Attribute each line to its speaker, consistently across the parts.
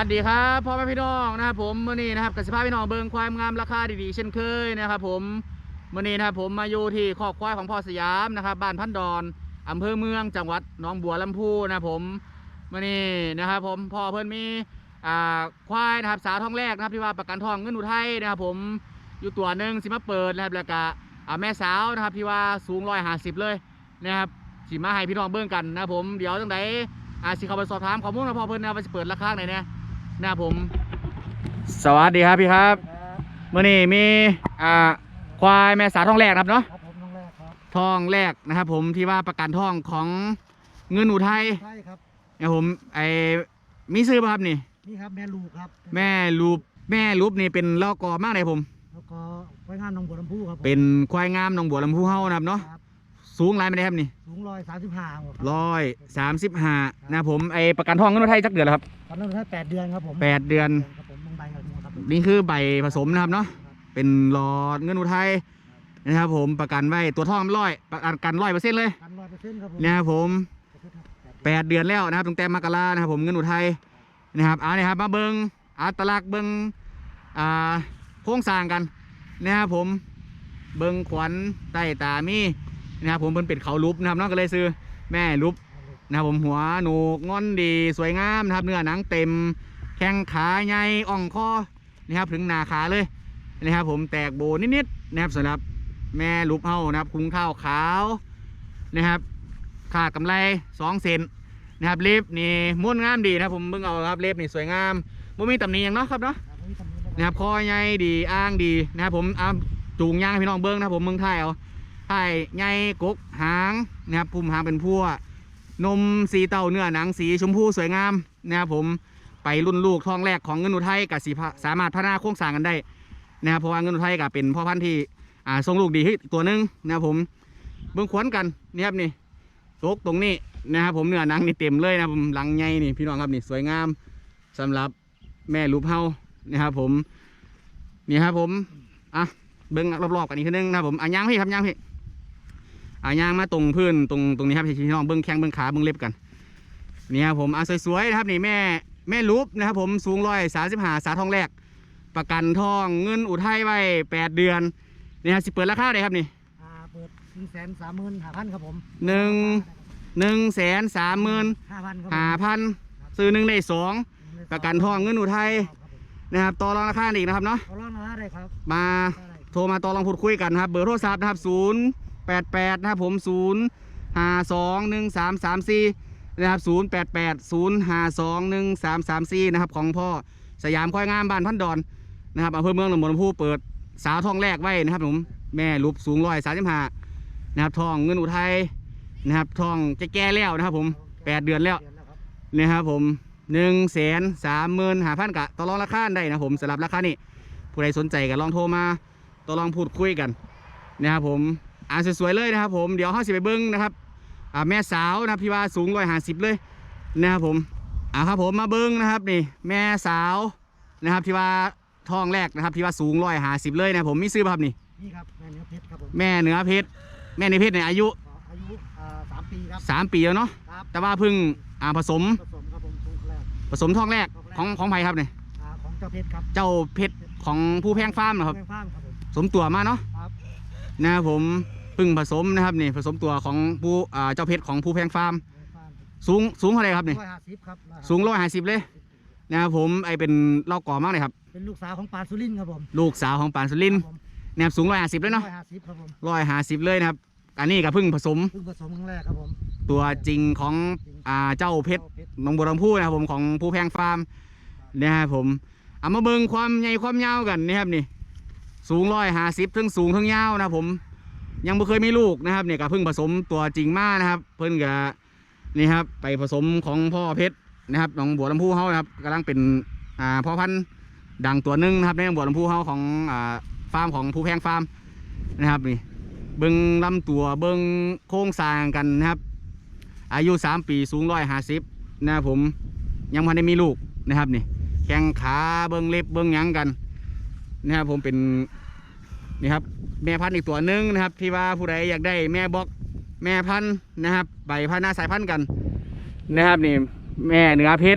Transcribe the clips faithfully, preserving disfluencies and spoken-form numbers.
Speaker 1: วัสดีครับพ่อแม่พี่น้องนะครับผมมื่อนี้นะครับกับสภาพพี่น้องเบิงควายงามราคาดีๆเช่นเคยนะครับผมมื่อนี้นะครับผมมาอยู่ที่คอกควายของพ่อสยามนะครับบ้านพันดอนอำเภอเมืองจังหวัดหนองบัวลำพูนะครับผมมื่อนี้นะครับผมพ่อเพิ่นมีอ่าควายนะครับสาวท้องแรกนะครับที่ว่าประกันทองเงินอุทัยนะครับผมอยู่ตัวหนึ่งสิมาเปิดนะครับแล้วก็แม่สาวนะครับที่ว่าสูงร้อยห้าสิบเลยนะครับสิมาให้พี่น้องเบิ่งกันนะครับผมเดี๋ยวจังไดอาสิเขาไปสอบถามข้อมูลนะพ่อเพิ่นนะว่าจะเปิดราคาไหนเนี่ยนะครับผมสวัสดีครับพี่ครับเมื่อนี้มีอ่าควายแม่สาวท้องแรกครับเนาะ
Speaker 2: ครับผมท้องแรกครับ
Speaker 1: ท้องแรกนะครับผมที่ว่าประกันท้องของเงินอุทัย
Speaker 2: ใช่ครับ
Speaker 1: นะครับผมไอ้มีซื้อป่ะครับนี่
Speaker 2: นี่ครับแม่ลูกครับ
Speaker 1: แม่ลูกแม่ลูกนี่เป็นลอกอมากเลยผม
Speaker 2: แล้วก็ควายงามหนองบัวลำพูครับ
Speaker 1: เป็นควายงามหนองบัวลำพูเฮานะครับเนาะสูงไรไม่ได้ครับนี่
Speaker 2: สูงร้อยสามสิบห้า
Speaker 1: ร้อยสามสิบห้านะผมไอประกันทองเงินอุทัยจักเดือนแล้วครับ
Speaker 2: ประกันทองเงินอุทัยแปดเดือนครับผม
Speaker 1: แปดเดือน
Speaker 2: ครับผมใบครับ
Speaker 1: นี่คือใบผสมนะครับเนาะเป็นหลอดเงินอุทัยนะครับผมประกันไว้ตัวทองร้อยประกันกันร้อยเปอร์เซ็นต์เลยนะครับผมแปดเดือนแล้วนะครับตั้งแต่มกรานะครับผมเงินอุทัยนะครับเอาเนี่ยครับมาเบิ้งอัตลักษณ์เบิ้งอ่าโค้งสร้างกันนะครับผมเบิ้งขวัญใต้ตามีนะครับผมเป็นเป็ดเขาลุบนะครับน้องก็เลยซื้อแม่ลุบนะครับผมหัวหนูกงอนดีสวยงามนะครับเนื้อหนังเต็มแข้งขาใหญ่อ่องคอนะครับถึงหน้าขาเลยนะครับผมแตกโบนิดๆนะครับสำหรับแม่ลุบเฮานะครับคุ้งข้าวขาวนะครับขาดกำไรสองเซนนะครับเล็บนี่ม้วนงามดีนะครับผมเบิ่งเอาครับเล็บนี่สวยงามไม่มีตำหนิอย่างเนาะครับเนาะนะครับคอใหญ่ดีอ้างดีนะครับผมเอาจูงย่างพี่น้องเบิ้งนะครับผมเมืองไทยเอาไทยใหญ่กกหางนะครับพุ่มหางเป็นพั่วนมสีเต่าเนื้อหนังสีชมพูสวยงามนะครับผมไปรุ่นลูกท้องแรกของเงินอุทัยกับสีสามารถพัฒนาโครงสร้างกันได้นะครับเพราะว่าเงินอุทัยกับเป็นพ่อพันธุ์ที่อ่าทรงลูกดีที่ตัวนึงนะครับผมเบื้องขวัญกันนี่ครับนี่โตกตรงนี้นะครับผมเนื้อหนังนี่เต็มเลยนะผมหลังใหญ่นี่พี่น้องครับนี่สวยงามสำหรับแม่ลูกเฮานะครับผมนี่ครับผมอ่ะเบื้องรอบๆกันอีกทีนึงนะครับผมอ่ะย่างพี่ครับย่างพี่อ่ะย่างมาตรงพื้นตรงตรงนี้ครับพี่น้องเบื้องแข้งเบื้องขาเบื้องเล็บกันนี่ครับผมอ่ะสวยๆนะครับนี่แม่แม่ลูกนะครับผมสูงร้อยสามสิบห้าสาทองแรกประกันทองเงินอุทัยไว้แปดเดือนนี่ครับสิเปิดราคาได้ครับนี่
Speaker 2: เปิดหนึ่งแสนสามหมื่นห้าพันครับผม
Speaker 1: หนึ่งหนึ่งแสนสามหมื่น
Speaker 2: ห้าพัน
Speaker 1: ห้าพันซื้อหนึ่งได้สองประกันทองเงินอุทัยนะครับต่อรองราคาอีกนะครับเนาะ
Speaker 2: ต่อรองราคาได้ครับ
Speaker 1: มาโทรมาต่อรองพูดคุยกันครับเบอร์โทรศัพท์นะครับศูนย์แปดแปดนะครับผมศูนย์ห้าสองหนึ่งสามสามสี่นะครับศูนย์แปดแปดศูนย์ห้าสองหนึ่งสามสามสี่นะครับของพ่อสยามควายงามบ้านพันดอนนะครับอำเภอเมืองหนองบัวลำพูเปิดสาวทองแรกไว้นะครับผมแม่ลูกสูงร้อยสามสิบห้านะครับทองเงินอุทัยนะครับทองจะแก่แล้วนะครับผมแปดเดือนแล้วนะครับผมหนึ่งแสนสามหมื่นห้าพันกะต่อรองราคาได้นะผมสำหรับราคานี้ผู้ใดสนใจก็ลองโทรมาต่อรองพูดคุยกันนะครับผมอ่านสวยๆเลยนะครับผมเดี๋ยวห้าสิบไปเบิ้งนะครับอ่าแม่สาวนะพี่ว่าสูงร้อยห้าสิบเลยนะครับผมอ่าครับผมมาเบิ้งนะครับนี่แม่สาวนะครับที่ว่าทองแรกนะครับที่ว่าสูงร้อยห้าสิบเลยนะผมมีซื้อป่ะครับนี่
Speaker 2: นี่ครับแม่เนื้อเพชรครับผม
Speaker 1: แม่เนื้อเพชรแม่เนื้อเพชรเนี่ยอายุ
Speaker 2: อายุสามปีครับ
Speaker 1: สามปีแล้วเนาะแต่ว่าเพิ่งอ่าผสม
Speaker 2: ผสมครับผม
Speaker 1: ผสมทองแรกของของไผ่ครับเนี่ย
Speaker 2: ของเจ้าเพชรครับ
Speaker 1: เจ้าเพชรของผู้แพงฟาร์มนะครับสมตัวมาเนาะนะครับผมเพิ่งผสมนะครับนี่ผสมตัวของผู้อ่าเจ้าเพชรของผู้แพงฟาร์มสูงสูงเท่าไรครับนี่สูงร้อยห้าสิบเลยนะครับผมไอเป็นเล่าก่อมากเลยครับ
Speaker 2: เป็นลูกสาวของปานสุรินทร์ครับผม
Speaker 1: ลูกสาวของปานสุรินทร์นะครับสูงร้อยห้าสิบเลยเนาะร้อยห้าสิบเลยนะครับอันนี้กับเพิ่งผสม
Speaker 2: เพิ่งผสมครั้งแรกครับผม
Speaker 1: ตัวจริงของอ่าเจ้าเพชรหนองบัวลำพูนะครับผมของผู้แพงฟาร์มนะครับผมเอามาเบิ่งความใหญ่ความยาวกันนี่ครับนี่สูงร้อยห้าสิบทั้งสูงทั้งยาวนะครับผมยังไม่เคยมีลูกนะครับเนี่ยกับเพิ่งผสมตัวจริงมากนะครับเพิ่งกับนี่ครับไปผสมของพ่อเพชรนะครับหนองบัวลำพูเฮานะครับกำลังเป็นอ่าพ่อพันธุ์ดังตัวนึงนะครับในหนองบัวลำพูเฮาของอ่าฟาร์มของผู้แพงฟาร์มนะครับนี่เบิ้งลำตัวเบิ้งโค้งสร้างกันนะครับอายุสามปีสูงร้อยห้าสิบนะครับผมยังพันได้มีลูกนะครับนี่แข้งขาเบิ้งเล็บเบิ้งยังกันนะครับผมเป็นนี่ครับแม่พันธุ์อีกตัวนึงนะครับที่ว่าผู้ใดอยากได้แม่บอกแม่พันธุ์นะครับใบพันธุ์หน้าสายพันธุ์กันนะครับนี่แม่เนื้อเพชร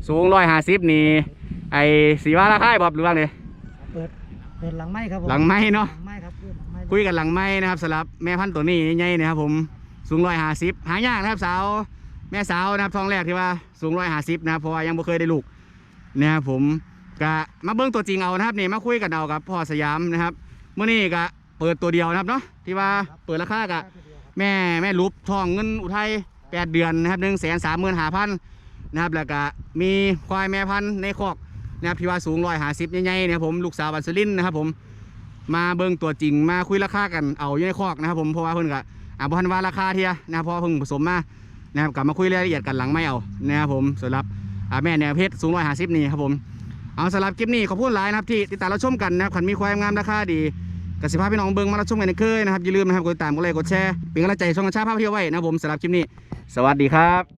Speaker 1: สูงร้อยห้าสิบนี่ไอ้สีว่าราคาบอบหรือว่าไง
Speaker 2: เปิดเปิดหลังไม้ครับผม
Speaker 1: หลังไม้เนาะ
Speaker 2: หลังไม้ครับเปิดหลังไม้
Speaker 1: คุยกันหลังไม้นะครับสำหรับแม่พันธุ์ตัวนี้ใหญ่ๆนะครับผมสูงร้อยห้าสิบหายากนะครับสาวแม่สาวนะครับท้องแรกที่ว่าสูงร้อยห้าสิบนะครับเพราะว่ายังไม่เคยได้ลูกนะครับผมก็มาเบิ้งตัวจริงเอานะครับนี่มาคุยกันเอากับพ่อสยามนะครับเมื่อนี้ก็เปิดตัวเดียวนะครับเนาะที่ว่าเปิดราคากับแม่แม่รูปทองเงินอุทัยแปดเดือนนะครับหนึ่งแสนสามหมื่นห้าพันนะครับแล้วก็มีควายแม่พันธุ์ในคอกนะครับที่ว่าสูงร้อยห้าสิบใหญ่ๆนะครับผมลูกสาวบันสลินนะครับผมมาเบิ้งตัวจริงมาคุยราคากันเอาอยู่ในคอกนะครับผมเพราะว่าเพิ่นก็อ่าบ่ทันว่าราคาเทียนะครับเพราะเพิ่งผสมมานะครับกลับมาคุยรายละเอียดกันหลังไม่เอานะครับผมสำหรับอ่าแม่แนวเพชรสูงร้อยห้าสิบนี่ครับผมเอาสำหรับคลิปนี้ขอบคุณหลายนะครับที่ติดตามรับชมกันนะครับขันมีควายงามราคาดีกสิภาพพี่น้องเบิ้งมารับชมกันในเคยนะครับอย่าลืมนะครับกดติดตามกดไลค์กดแชร์เป็นกำลังใจช่องกระชาภาพเที่ยวไว้นะครับผมสำหรับคลิปนี้สวัสดีครับ